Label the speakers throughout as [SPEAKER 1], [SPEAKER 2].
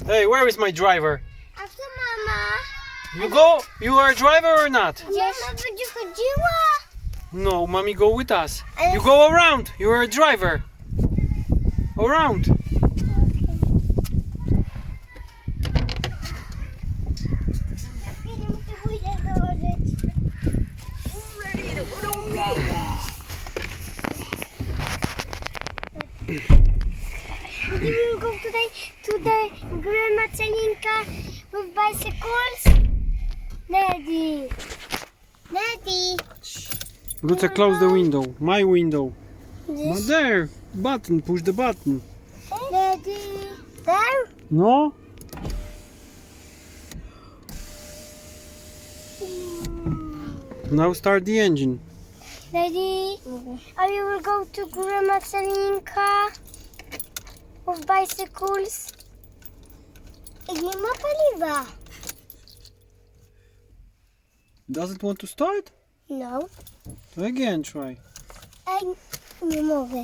[SPEAKER 1] Hey, where is my driver?
[SPEAKER 2] After mama.
[SPEAKER 1] You go? You are a driver or not?
[SPEAKER 2] Mama będzie chodziła.
[SPEAKER 1] No, mommy go with us. You go around. You are a driver. Around.
[SPEAKER 2] We will go to the grandma Celinka with bicycles. Daddy. Daddy.
[SPEAKER 1] Luca, close the window. My window.
[SPEAKER 2] This.
[SPEAKER 1] There. Button. Push the button.
[SPEAKER 2] Daddy. There.
[SPEAKER 1] No? Now start the engine.
[SPEAKER 2] Daddy. I will go to grandma Celinka with bicycles. I nie ma paliwa.
[SPEAKER 1] Does it want to start?
[SPEAKER 2] No.
[SPEAKER 1] Again, try.
[SPEAKER 2] Nie mogę.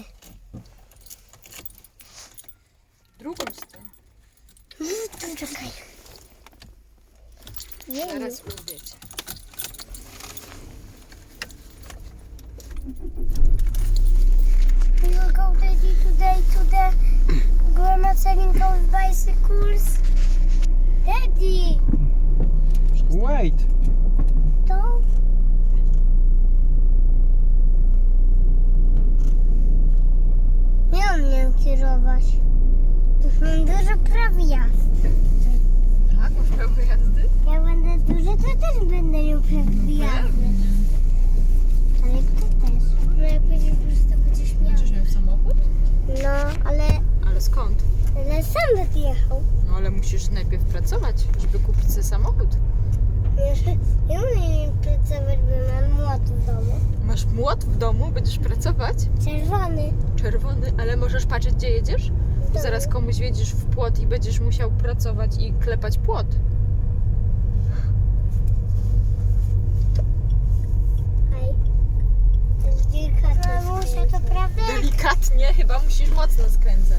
[SPEAKER 3] Drugą stronę.
[SPEAKER 2] Tu czekaj. Nie,
[SPEAKER 3] Zaraz ujedziecie.
[SPEAKER 2] we will go daddy today to the grandma Celinka with bicycles. Daddy.
[SPEAKER 1] Wait.
[SPEAKER 2] To? Nie umiem kierować. Mam dużo praw jazdy.
[SPEAKER 3] Tak, masz prawo jazdy?
[SPEAKER 2] Jak będę duży, to też będę miał prawo jazdy. Ale ty też. No jak będziesz duży, to będziesz miał.
[SPEAKER 3] Będziesz miał samochód?
[SPEAKER 2] No,
[SPEAKER 3] Ale skąd?
[SPEAKER 2] ale sam będę jechał.
[SPEAKER 3] No ale musisz najpierw pracować, żeby kupić sobie samochód.
[SPEAKER 2] Nie umiem pracować, bo mam młot w domu.
[SPEAKER 3] Masz młot w domu, będziesz pracować?
[SPEAKER 2] Czerwony.
[SPEAKER 3] Czerwony, ale możesz patrzeć, gdzie jedziesz? Bo zaraz komuś wjedziesz w płot i będziesz musiał pracować i klepać płot.
[SPEAKER 2] Hej. To jest delikatne. Mamusia, to prawda?
[SPEAKER 3] Delikatnie, chyba musisz mocno skręcać.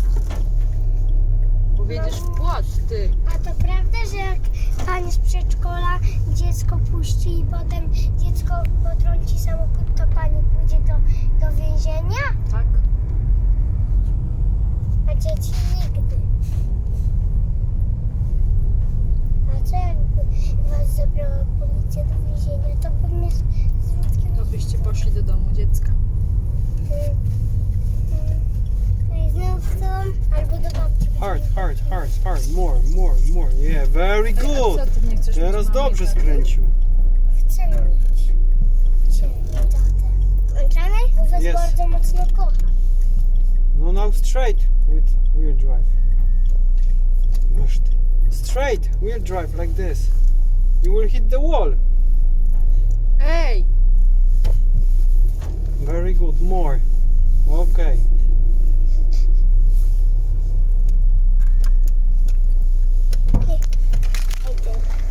[SPEAKER 3] Bo wjedziesz w płot, ty.
[SPEAKER 2] A to prawda, że jak pani z przedszkola dziecko puści i potem dziecko potrąci samochód, to pani pójdzie do więzienia?
[SPEAKER 3] Tak.
[SPEAKER 2] A dzieci nigdy. A co jakby was zabrała policja do więzienia? To pewnie z ludzkim...
[SPEAKER 3] To byście poszli do domu dziecka.
[SPEAKER 2] Znów chcą albo do babci.
[SPEAKER 1] Hard. More. Yeah, very good.
[SPEAKER 3] A co, ty nie chcesz
[SPEAKER 1] Teraz
[SPEAKER 3] mieć mamy
[SPEAKER 1] dobrze
[SPEAKER 3] tak?
[SPEAKER 1] skręcił.
[SPEAKER 2] Chcę mieć. Tatę. Włączamy? Bo was
[SPEAKER 1] Yes.
[SPEAKER 2] bardzo mocno kocha.
[SPEAKER 1] No, now straight with wheel drive. Masz ty. Straight wheel drive like this. You will hit the wall.
[SPEAKER 3] Ej!
[SPEAKER 1] Very good. More. Okay.
[SPEAKER 2] I did.